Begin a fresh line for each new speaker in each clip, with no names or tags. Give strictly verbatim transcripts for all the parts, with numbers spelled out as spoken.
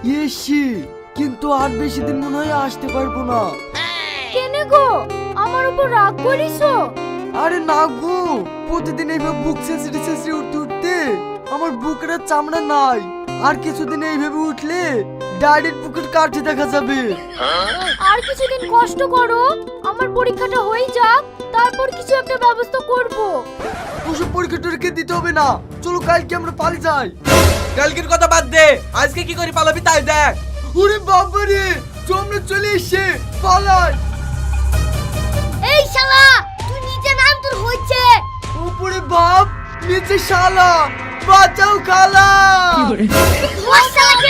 AC, কিন্তু আর বেশি দিন মনে হয় আসতে পারবো না।
কেনে গো, আমার উপর রাগ করিছো?
আরে না গো, প্রতিদিন এইভাবে বুক ছেঁচড়ে ছেঁচড়ে উঠতে উঠতে আমার বুকের আর চামড়া নাই। আর কিছুদিন এইভাবে উঠলে ডাইরেক্ট বুকের কাঠে দেখা যাবে।
আর কিছুদিন কষ্ট করো, আমার পরীক্ষাটা হয়ে যাক, তারপর কিছু একটা ব্যবস্থা করব।
ওসব পরীক্ষা টরীক্ষা দিতে হবে না, চলো কালকে আমরা পালিয়ে যাই।
কালকের কথা বাদ দে, আজকে কি করে পালাবি তাই দেখ।
ওরে বাবারে, তোমরা চলে এসে পালাই।
এই শালা, তুই নিচে নাম, তোর হইছে।
উপরে বাপ, নিচে শালা, বাঁচাও খালা।
ওই শালাকে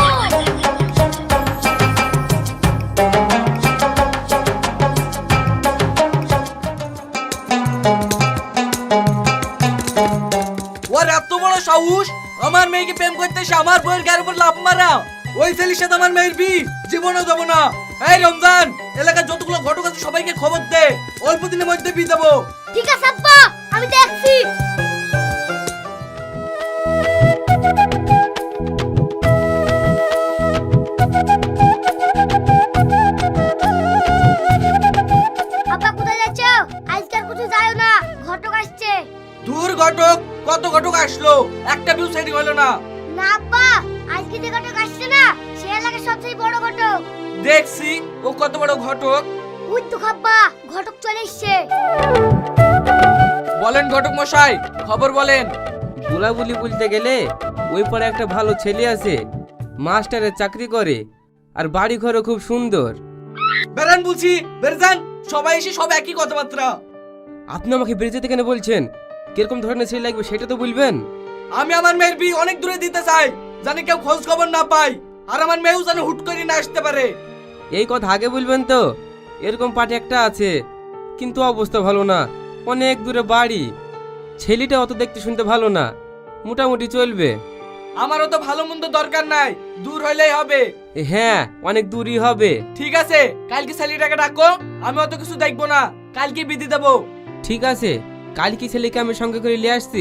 ওর এত বড় সাহস, আমার মেয়েকে প্রেম করতে এসে আমার বউয়ের গায়ের উপর লাফ মারা। ওই ছেলের সাথে আমার মেয়ের বি জীবনেও দেবো না। এই রমজান, এলাকার যতগুলো ঘটক আছে সবাইকে খবর দে, অল্প দিনের মধ্যে বি দেবো।
ঠিক আছে আব্বা, আমি দেখছি। আব্বা কোথায় যাচ্ছ? আজকাল কোথাও যাও না, ঘটক আসছে।
দূর ঘটক, কত ঘটক আসলো, একটা বিউ সেটিং হলো না।
না আব্বা, আজকে যে ঘটক আসছে না, সে এলাকার সবচেয়ে বড় ঘটক।
দেখছি ও কত বড় ঘটক।
ওই তো খাব্বা, ঘটক চলে এসছে।
বলেন ঘটক মশাই, খবর বলেন।
বুলাবুলি বলতে গেলে ওই পারে একটা ভালো ছেলে আছে, মাস্টারের চাকরি করে, আর বাড়ি ঘরও খুব সুন্দর।
বেরান বলছি, বেরজান, সবাই এসে সব একই কথাবার্তা।
আপনি আমাকে বেরিয়ে যেতে কেন বলছেন? কিরকম ধরনের ছেলে লাগবে সেটা তো বলবেন।
আমি আমার মেয়ের বিয়ে অনেক দূরে দিতে চাই, জানি কেউ খোঁজ খবর না পাই, আর আমার মেয়েও যেন হুট করে না আসতে পারে।
এই কথা আগে বলবেন তো। এরকম পার্টি একটা আছে, কিন্তু অবস্থা ভালো না, অনেক দূরে বাড়ি। ছেলেটা অত দেখতে শুনতে ভালো না, মোটামুটি চলবে।
আমারও তো ভালো মন্দ দরকার নাই, দূর হইলেই হবে।
এ হ্যাঁ, অনেক দূরই হবে।
ঠিক আছে, কালকে ছেলেটাকে ডাকো, আমি অত কিছু দেখবো না, কালকে বিধি দেবো।
ঠিক আছে, কালকে ছেলেকে আমি সঙ্গে করে নিয়ে আসছি।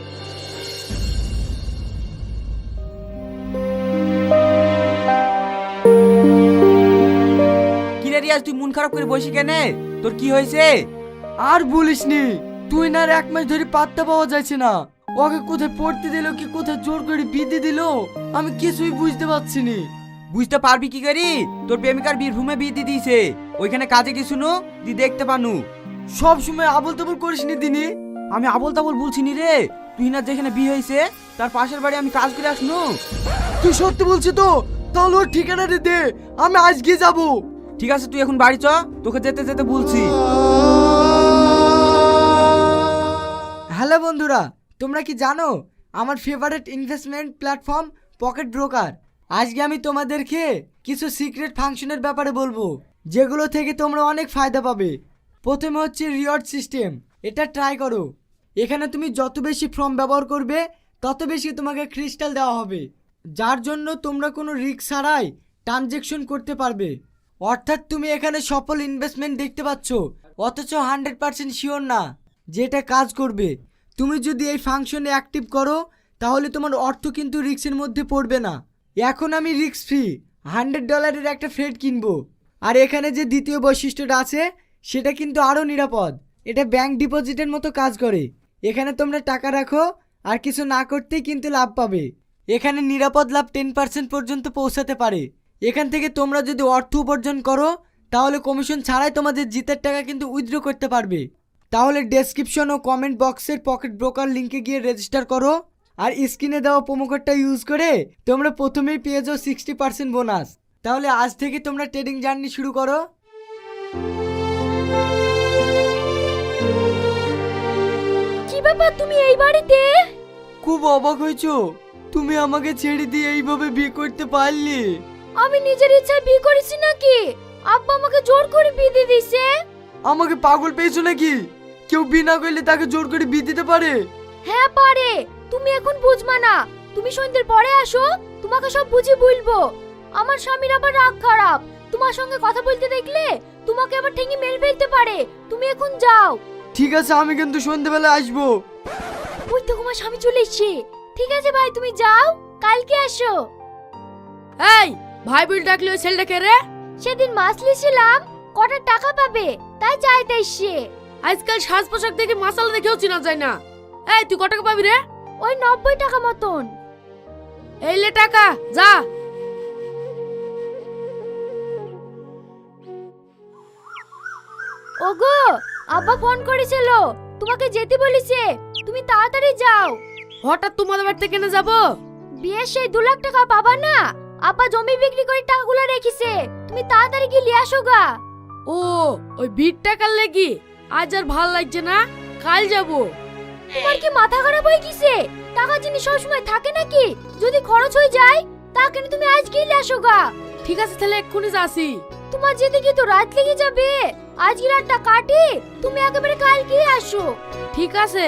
কিরে রিয়াজ, তুই মন খারাপ করে বসি কেনে? তোর কি হয়েছে?
আর বলিসনি, তুই না আর এক মাস ধরে পাত্তা পাওয়া যাচ্ছে না। ওকে কোথায় পড়তে দিল কি কোথায় জোর করে বিধি দিল, আমি কিছুই বুঝতে পারছি নি।
বুঝতে পারবি কি করি? তোর প্রেমিকার বীরভূমে বিয়ে দিয়ে দিয়েছে, ওইখানে কাজে কি শুনো দি দেখতে পানু।
সব সময় আবল তাবল করিস নি দিনি।
আমি আবল তাবল বলছি নি রে, তুই না যেখানে বিয়ে হয়েছে তার পাশের বাড়ি আমি কাজ করে আসনু।
তুই সত্যি বলছিস তো? তাহলে ওর ঠিকানাটা দে, আমি আজকে যাব।
ঠিক আছে, তুই এখন বাড়ি চ, তোকে যেতে যেতে বলছি।
হ্যালো বন্ধুরা, তোমরা কি জানো আমার favourite investment platform Pocket Broker? আজকে আমি তোমাদেরকে কিছু সিক্রেট ফাংশনের ব্যাপারে বলবো, যেগুলো থেকে তোমরা অনেক ফায়দা পাবে। প্রথমে হচ্ছে রিওয়ার্ড সিস্টেম, এটা ট্রাই করো। এখানে তুমি যত বেশি ফর্ম ব্যবহার করবে তত বেশি তোমাকে ক্রিস্টাল দেওয়া হবে, যার জন্য তোমরা কোনো রিস্ক ছাড়াই ট্রানজ্যাকশন করতে পারবে। অর্থাৎ তুমি এখানে সফল ইনভেস্টমেন্ট দেখতে পাচ্ছ, অথচ হান্ড্রেড পার্সেন্ট শিওর না যেটা কাজ করবে। তুমি যদি এই ফাংশনে অ্যাক্টিভ করো তাহলে তোমার অর্থ কিন্তু রিস্কের মধ্যে পড়বে না। এখন আমি রিস্ক ফ্রি হান্ড্রেড ডলারের একটা ফ্রেড কিনবো। আর এখানে যে দ্বিতীয় বৈশিষ্ট্যটা আছে সেটা কিন্তু আরও নিরাপদ, এটা ব্যাংক ডিপোজিটের মতো কাজ করে। এখানে তোমরা টাকা রাখো আর কিছু না করতেই কিন্তু লাভ পাবে। এখানে নিরাপদ লাভ টেন পার্সেন্ট পর্যন্ত পৌঁছাতে পারে। এখান থেকে তোমরা যদি অর্থ উপার্জন করো তাহলে কমিশন ছাড়াই তোমাদের জিতের টাকা কিন্তু উইথড্র করতে পারবে। তাহলে ডেসক্রিপশন ও কমেন্ট বক্সের পকেট ব্রোকার লিঙ্কে গিয়ে রেজিস্টার করো, আর স্ক্রিনে দেওয়া প্রোমো কোডটা ইউজ করে তোমরা প্রথমেই পেয়ে যাও সিক্সটি পার্সেন্ট বোনাস। তাহলে আজ থেকে তোমরা ট্রেডিং জার্নি শুরু করো।
কি ব্যাপার, তুমি এই বাড়িতে?
খুব অবাক হয়েছো, তুমি আমাকে ছেড়ে দিয়ে এইভাবে বিয়ে করতে পারলে?
আমি নিজের ইচ্ছায় বিয়ে করেছি নাকি? আব্বা আমাকে জোর করে বিয়ে দিয়ে দিয়েছে।
আমাকে পাগল পেয়েছো নাকি? কেউ বিনা করলে তাকে জোর করে বিয়ে দিতে পারে?
হ্যাঁ পারে, তুমি এখন বুঝবা না, তুমি সন্ধ্যের পরে আসো, তোমাকে সব বুঝিয়ে বলবো। আমার স্বামীর আবার রাগ খারাপ, তোমার সঙ্গে কথা বলতে দেখলে তোমাকে আবার ঠেঙে মেরে ফেলতে পারে। তুমি এখন যাও।
ঠিক আছে, আমি কিন্তু সন্ধ্যেবেলা আসবো।
ওই তো তোমার স্বামী চলে এসেছে। ঠিক আছে ভাই, তুমি যাও, কালকে আসো।
এই ভাই বিল ডাকলে ওই ছেলেটাকে রে?
সেদিন মাছ লিছিলাম, কটা টাকা পাবে তাই চাইতে এসছে।
আজকাল সাজ পোশাক দেখে মাসালা দেখেও চেনা যায় না। এই তুই কত টাকা পাবি রে?
ওই নব্বই টাকা মতন।
এই লে টাকা, যা।
ওগো, আব্বা ফোন করেছিল, তোমাকে যেতে বলেছে, তুমি তাড়াতাড়ি যাও।
হঠাৎ তোমাদের বাড়িতে কেন যাব?
বিয়ের সেই দু লাখ টাকা পাবা না, আব্বা জমি বিক্রি করে টাকাগুলো রেখেছে, তুমি তাড়াতাড়ি গিয়ে নিয়ে আসো গা।
ও ওই ভিড় টাকার লাগি আজ আর ভাল লাগছে না, কাল যাব।
তোমার কি মাথা খারাপ হয়ে গেছে? টাকা জিনিস সবসময় থাকে নাকি? যদি খরচ হয়ে যায় তা কেন তুমি আজ গিয়ে নিয়ে আসো গা।
ঠিক আছে তাহলে এক্ষুনি যাচ্ছি।
তোমার যেতে গিয়ে তো রাত লেগে যাবে, আজকে রাতটা কাটি, তুমি একেবারে কাল গিয়ে আসো।
ঠিক আছে।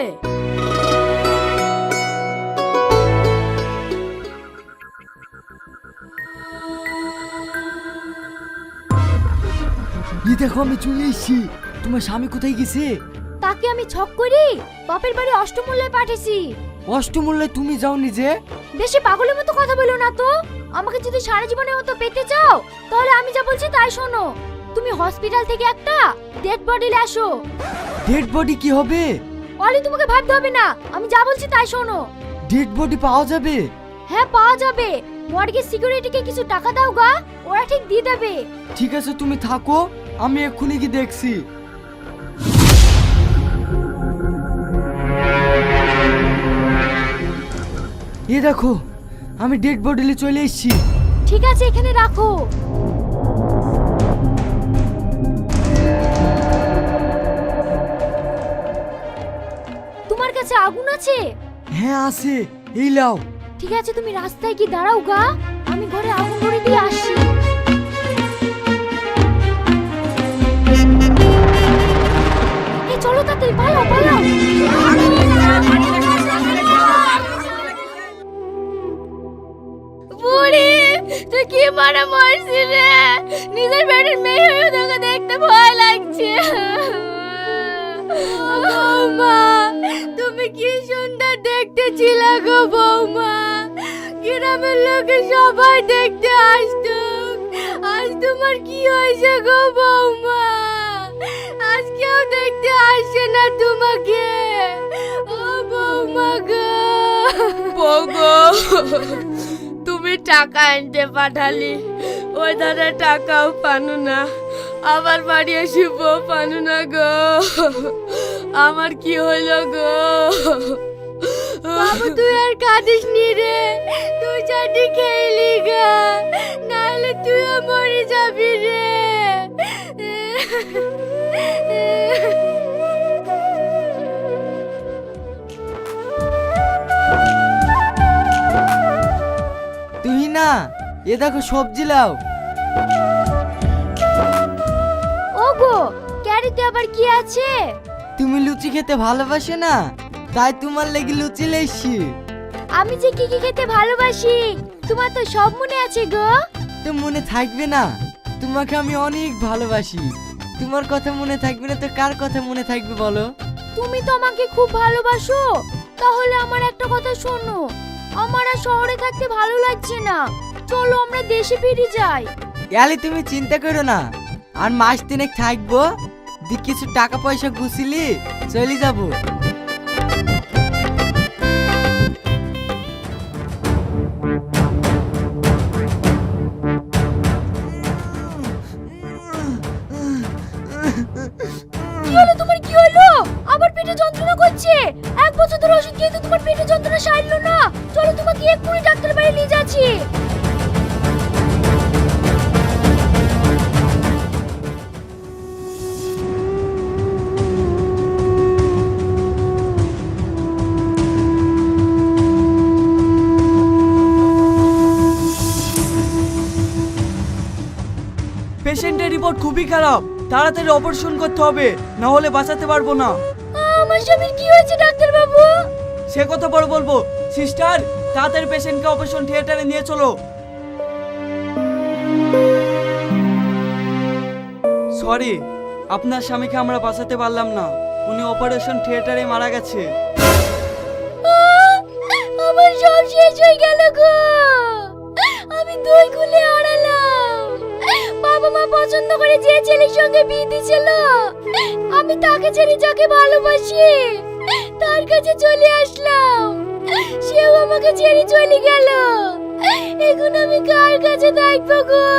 এই দেখো আমি চলে এসেছি। তোমার স্বামী কোথায় গেছে?
তাকে আমি ছক করি বাপের বাড়ি অষ্টমূল্যে পাঠিয়েছি।
অষ্টমূল্যে তুমি যাও নিজে?
বেশি পাগলের মতো কথা বলো না তো। আমাকে যদি সারা জীবনের মতো পেতে চাও তাহলে আমি যা বলছি তাই শোনো। তুমি হসপিটাল থেকে একটা ডেড বডি নিয়ে আসো।
ডেড বডি কি হবে?
অলি তোমাকে ভাবতে হবে না, আমি যা বলছি তাই শোনো।
ডেড বডি পাওয়া যাবে?
হ্যাঁ পাওয়া যাবে। মর্গের সিকিউরিটিকে কিছু টাকা দাও গা, ওরা ঠিক দিয়ে দেবে।
ঠিক আছে তুমি থাকো, আমি এক্ষুনি কি দেখছি। এ দেখো আমি ডেড বডি নিয়ে চলে এসেছি।
ঠিক আছে এখানে রাখো। তোমার কাছে আগুন আছে?
হ্যাঁ আছে, এই লাও।
ঠিক আছে তুমি রাস্তায় কি দাঁড়াও গা, আমি ঘরে আগুন ধরে দিয়ে আসি। এই চলো তাড়াতাড়ি পালাও পালাও। বুড়ি তুই কি মারা মারছিস রে? নিজের বাড়ির মেয়ে হয়ে তোকে দেখতে ভয় লাগছে। বৌমা তুমি কি সুন্দর দেখতে ছিলে গো বৌমা, গ্রামের লোকে সবাই দেখতে আসতো, আজ তোমার কি হয়েছে গো বৌমা? আজ কেউ দেখতে আসছে না তোমাকে। ও বৌমা গো।
বউ গো, তুমি টাকা আনতে পাঠালি, ওই ধারে টাকাও পানু না, আবার বাড়ি এসে বউ পানু না গো। আমার কি হইল গো?
বাবু তুই আর কাঁদিস নি রে, তুই চাটি খেলি গা, নাহলে তুইও মরে যাবি রে।
তুই না, এ দেখো সবজি লাও।
ওগো ক্যারিতে আবার কি আছে?
তুমি লুচি খেতে ভালোবাসে না, তাই তোমার লেগে লুচি লেছি।
আমি যে কি কি খেতে ভালোবাসি তোমার তো সব মনে আছে গো।
তো মনে থাকবে না? তোমাকে আমি অনেক ভালোবাসি, তোমার কথা মনে থাকবে না তো কার কথা মনে থাকবে বলো?
তুমি তো আমাকে খুব ভালোবাসো, তাহলে আমার একটা কথা শোনো, আমার আর শহরে থাকতে ভালো লাগছে না, চলো আমরা দেশে ফিরে যাই।
ইয়ালি তুমি চিন্তা করো না, আর মাস তিনেক থাকবো, দি কিছু টাকা পয়সা গুছিলি চলে যাবো।
কি হলো তোমার, কি হলো? আবার পেটে যন্ত্রণা করছে? এক বছর ধরে ওষুধ খেয়ে তো তোমার পেটে যন্ত্রণা সারলো না, চলো তোমাকে এক্ষুনি ডাক্তার বাড়ি নিয়ে যাচ্ছি।
পেশেন্টের রিপোর্ট খুবই খারাপ, তাড়াতাড়ি অপারেশন করতে হবে, না হলে বাঁচাতে পারবো না।
আমার স্বামীর কি হয়েছে ডাক্তার বাবু?
সে কথা পরে বলবো। সিস্টার তাড়াতাড়ি পেশেন্টকে অপারেশন থিয়েটারে নিয়ে চলো। সরি, আপনার স্বামীকে আমরা বাঁচাতে পারলাম না, উনি অপারেশন থিয়েটারে মারা গেছে।
আমার সব শেষ হয়ে গেল গো, আমি দুই করে যে ছেলের সঙ্গে বিয়ে দিয়েছিল, আমি তাকে ছেড়ে যাকে ভালোবাসি তার কাছে চলে আসলাম। সেও আমাকে ছেড়ে চলে গেল। এখন আমি কার কাছে থাকবো গো?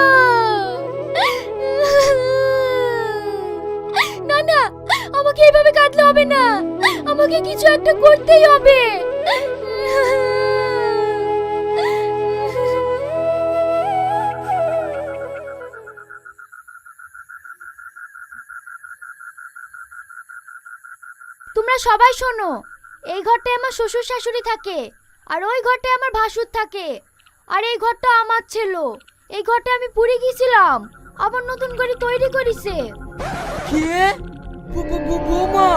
না না, আমাকে এইভাবে কাঁদলে হবে না, আমাকে কিছু একটা করতেই হবে। তোমরা সবাই শোনো, এই ঘরটায় আমার শ্বশুর শাশুড়ি থাকে, আর ওই ঘরটায় আমার ভাসুর থাকে, আর এই ঘরটা আমার ছিল। এই ঘরটা আমি পুড়ে গিয়েছিলাম, আবার নতুন করে তৈরি করেছে।
কে? বৌমা,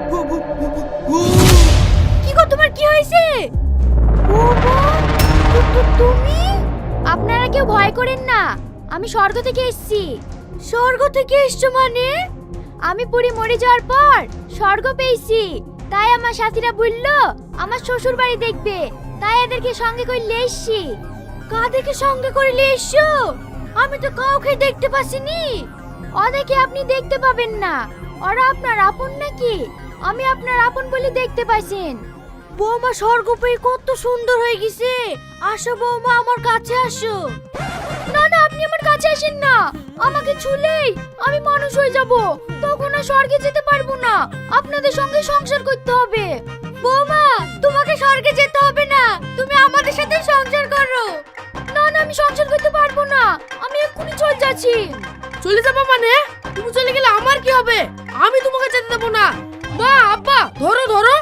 কি গো, তোমার কি হয়েছে? তুমি? আপনারা কেউ ভয় করেন না, আমি স্বর্গ থেকে এসেছি। স্বর্গ থেকে এসছো মানে? আমি পুরি মরে যাওয়ার পর স্বর্গ পেয়েছি, তাই আমার সাথীরা বলল আমার শ্বশুর বাড়ি দেখবে, তাই এদেরকে সঙ্গে করে নিয়ে এসেছি। কাদেরকে সঙ্গে করে নিয়ে এসছো? আমি তো কাউকে দেখতে পাচ্ছিনি। ওদেরকে আপনি দেখতে পাবেন না, ওরা আপনার আপন নাকি? আমি আপনার আপন বলে দেখতে পাইছেন। বৌমা স্বর্গ পেয়ে কত সুন্দর হয়ে গেছে। আসো বৌমা, আমার কাছে আসো। না না, আপনি আমার কাছে আসেন না, আমাকে ছুলেই আমি মানুষ হয়ে যাব, তখন আর স্বর্গে যেতে পারবো না। আপনাদের সঙ্গে সংসার করতে হবে। বৌমা, তোমাকে স্বর্গে যেতে হবে না, তুমি আমাদের সাথে সংসার করো। না না, আমি সংসার করতে পারবো না, আমি এক্ষুনি চলে যাচ্ছি।
চলে যাবো মানে? তুমি চলে গেলে আমার কি হবে? আমি তোমাকে যেতে দেবো না। মা, আব্বা, ধরো ধরো।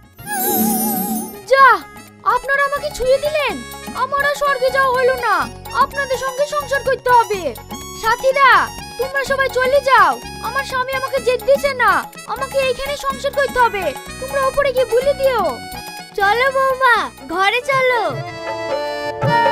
যা, আপনারা আমাকে ছুঁয়ে দিলেন, আমার আর স্বর্গে যাওয়া হলো না, আপনাদের সঙ্গে সংসার করতে হবে। সাথীরা, তোমরা সবাই চলে যাও, আমার স্বামী আমাকে যেতে দিছে না, আমাকে এইখানে সংসার করতে হবে। তোমরা উপরে গিয়ে বলে দিও। চলো বৌমা, ঘরে চলো।